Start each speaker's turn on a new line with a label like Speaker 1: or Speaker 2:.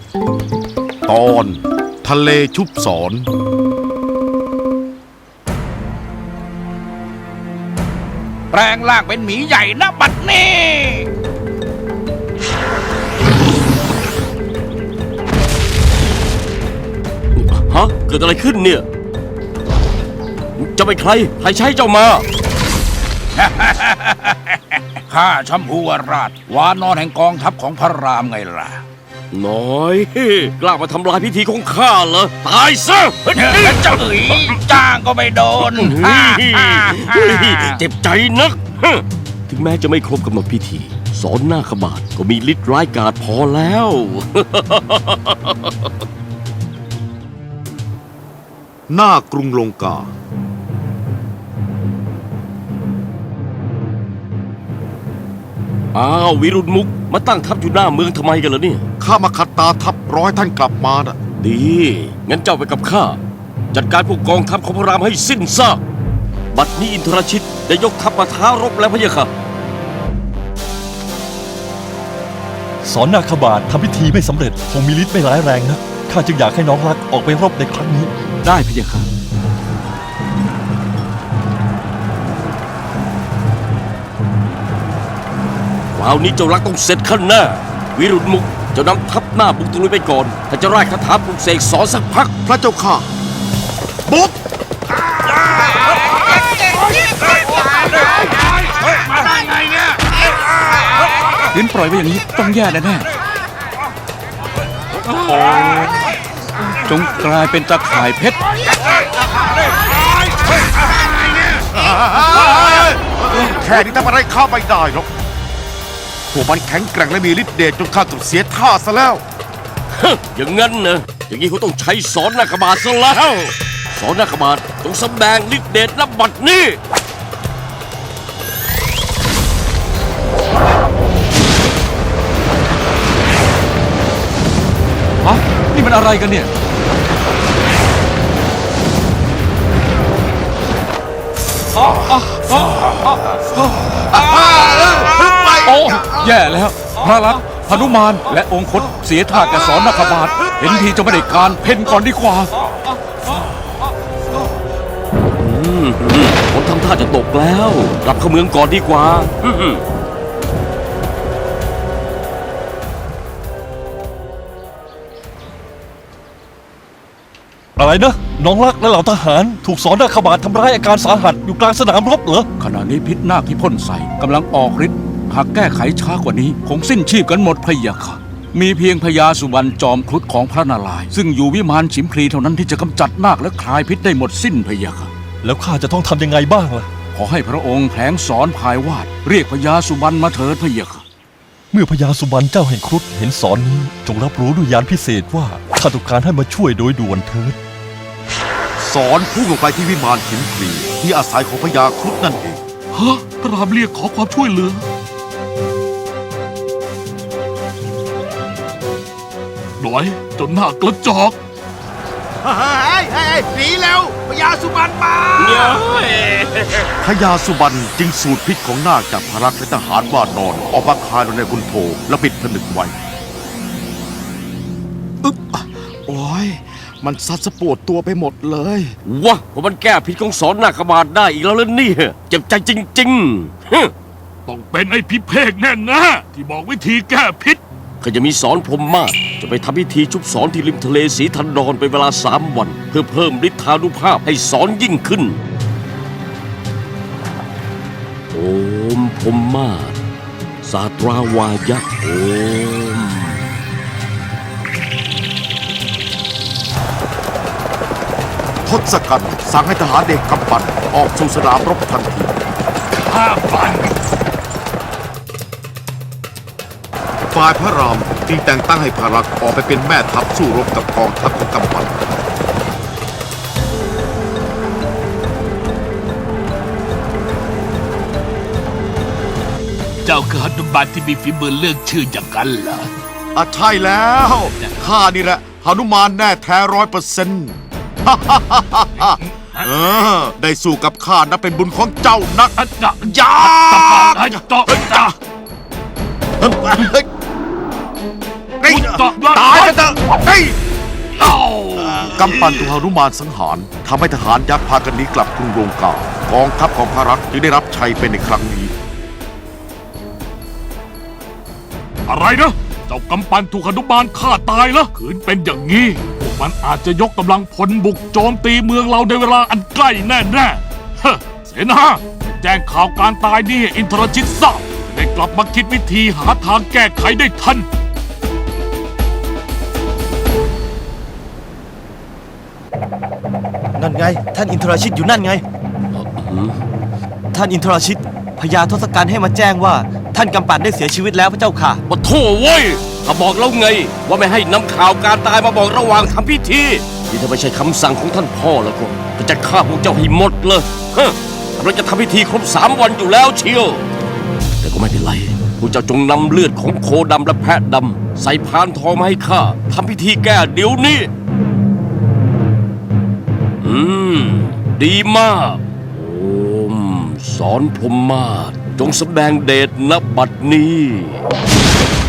Speaker 1: ตอนทะเลชุบสอน
Speaker 2: แปลงร่างเป็นหมีใหญ่นะบัดนี้
Speaker 3: ฮะเกิดอะไรขึ้นเนี่ยจะเป็นใครใช้เจ้ามา
Speaker 2: ข้าชัมพูวราชวานอนแห่งกองทัพของพระรามไงล่ะ
Speaker 3: น้อยกล้ามาทำลายพิธีของข้าเหรอตายซะ
Speaker 2: เจ้าจ้างก็ไม่โดน
Speaker 3: เจ็บใจนักถึงแม้จะไม่ครบกำหนดพิธีสอนหน้าขบาทก็มีฤทธิ์ร้ายกาจพอแล้ว
Speaker 1: หน้ากรุงลงกา
Speaker 3: อ้าววิรุณมุกมาตั้งทัพอยู่หน้าเมืองทำไมกันล่ะเนี่ย
Speaker 1: ข้ามาขัดตาทัพร้อยท่านกลับมาน่ะ
Speaker 3: ดีงั้นเจ้าไปกับข้าจัดการพวกกองทัพของพระรามให้สิ้นซากบัดนี้อินทรชิตได้ยกทัพมาท้ารบแล้วพะยะค่ะ
Speaker 4: สอนนาคบาททำพิธีไม่สำเร็จคงมีฤทธิ์ไม่ร้ายแรงนะข้าจึงอยากให้น้องรักออกไปรบในครั้งนี้
Speaker 3: ได้พะยะค่ะคราวนี้เจ้ารักต้องเสร็จขั้นหน้าวิรุณมุกเจ้านำทัพหน้าบุกตะลุยไปก่อนถ้าจะไล่คาถาปลุกเสกสอนสักพัก
Speaker 1: พระเจ้าข้าบุก
Speaker 2: มาได้ไงเนี่ยขืนปล่อยไว้อย่างนี้ต้องแย่แน่ๆจงกลายเป็นตะข่ายเพชร
Speaker 1: แค่นี้ทำอะไรข้าไม่ได้หรอกพวกมันแข็งแกร่งและมีฤทธิ์เดชจนข้าต้องเสียท่าซะแล้ว
Speaker 3: อย่างงั้นนะอย่างนี้เขาต้องใช้สอนนาคบาทซะแล้วสอนนาคบาทจงแสดงฤทธิ์เดชณบัดนี้
Speaker 4: นี่มันอะไรกันเนี่ยโอ้แย่แล้วพระลักษมณ์หนุมานและองคตเสียท่าแกสอนนาคบาทเห็นทีจะไม่ได้การเพ่นก่อนดีกว่า
Speaker 3: ฝนทำท่าจะตกแล้วกลับเข้าเมืองก่อนดีกว่า
Speaker 4: อะไรนะน้องรักและเหล่าทหารถูกสอนนาคบาททำร้ายอาการสาหัสอยู่กลางสนามรบเหรอขณะนี้พิษนาคที่พ่นใส่กำลังออกฤทธิ์หากแก้ไขช้ากว่านี้คงสิ้นชีพกันหมดพะยะค่ะมีเพียงพญาสุวรรณจอมครุฑของพระนารายณ์ซึ่งอยู่วิมานฉิมพลีเท่านั้นที่จะกำจัดนาคและคลายพิษได้หมดสิ้นพะยะค่ะแล้วข้าจะต้องทำยังไงบ้างล่ะขอให้พระองค์แผลงสอนพายวาดเรียกพญาสุวรรณมาเถิดพะยะค่ะเมื่อพญาสุวรรณเจ้าแห่งครุฑเห็นสอนนี้จงรับรู้ด้วยญาณพิเศษว่าข้าต้องการให้มาช่วยโดยด่วนเถิด
Speaker 1: สอนพุ่งลงไปที่วิมานหินพลีที่อาศัยของพญาครุฑนั่นเอง
Speaker 4: ฮะพระรามเรียกขอความช่วยเหลือหน่อยจนหน้ากระจอก
Speaker 2: หนีเร็วพญาสุวรรณมา
Speaker 1: พญาสุวรรณจึงสูดพิษของนาคจากพระลักษมณ์และทหารว่านอนออกมาคายลงในคุณโธและปิดผนึกไว้
Speaker 2: โอ้ยมันซัดสะปวดตัวไปหมดเลยว
Speaker 3: ะว่ามันแก้พิษของสอนนาคบาทได้อีกแล้วล่ะนี่เจ็บใจจริงๆ
Speaker 4: ต้องเป็นไอ้พิเภกแน่นะที่บอกวิธีแก้พิษ
Speaker 3: ข้าจะมีสอนพรหมมาศจะไปทำพิธีชุบสอนที่ริมทะเลสีทันดรเป็นเวลา3 วันเพื่อเพิ่มฤทธานุภาพให้สอนยิ่งขึ้นโอมพรหมมาศสาตราวายะโอม
Speaker 1: ทศกัณฐ์สั่งให้ทหารเด็กกำปั่นออกสู่สนามรบทันที
Speaker 4: ข้าปั่น
Speaker 1: ฝ่ายพระรามจึงแต่งตั้งให้พระลักษมณ์ออกไปเป็นแม่ทัพสู้รบกับกองทัพของกำปั่น
Speaker 4: เจ้าคือหนุมานที่มีฝีมือเรื่องชื่ออย่างกันเหรอ
Speaker 1: ใช่แล้วข้านี่แหละหนุมานแน่แท้ 100%ได้สู้กับข้านับเป็นบุญของเจ้านักยาไตายกันเถอะกำปั้นถูกหนุมานสังหารทำให้ทหารยักษ์พากันหนีกลับกรุงลงกากองทัพของพระรักษ์จึงได้รับชัยเป็นในครั้งนี้
Speaker 5: อะไรนะ เจ้ากำปั้นถูกหนุมานฆ่าตายแล้วขืนเป็นอย่างนี้พวกมันอาจจะยกกำลังพลบุกโจมตีเมืองเราในเวลาอันใกล้แน่ๆเฮ้เสนาแจ้งข่าวการตายนี่ให้อินทรชิตทราบจะได้กลับมาคิดวิธีหาทางแก้ไขได้ทัน
Speaker 6: นั่นไง ท่านอินทราชิตอยู่นั่นไง ท่านอินทราชิตพญาทศกัณฐ์ให้มาแจ้งว่า ท่านกำปั่นได้เสียชีวิตแล้วพระเจ้าค่ะ
Speaker 3: มาโถ่เว้ยข้าบอกแล้วไง ว่าไม่ให้นำข่าวการตายมาบอกระหว่างทำพิธีนี่ถ้าไม่ใช่คำสั่งของท่านพ่อแล้วก็จะฆ่าพวกเจ้าให้หมดเลยฮะกำลังจะทำพิธีครบ3 วันอยู่แล้วเชียวแต่ก็ไม่เป็นไรพวกเจ้าจงนำเลือดของโคดำและแพะดำใส่พานทองมาให้ข้าทำพิธีแก้เดี๋ยวนี้ดีมากโอมสอนพรหมมาศจงแสดงเดชณบัดนี้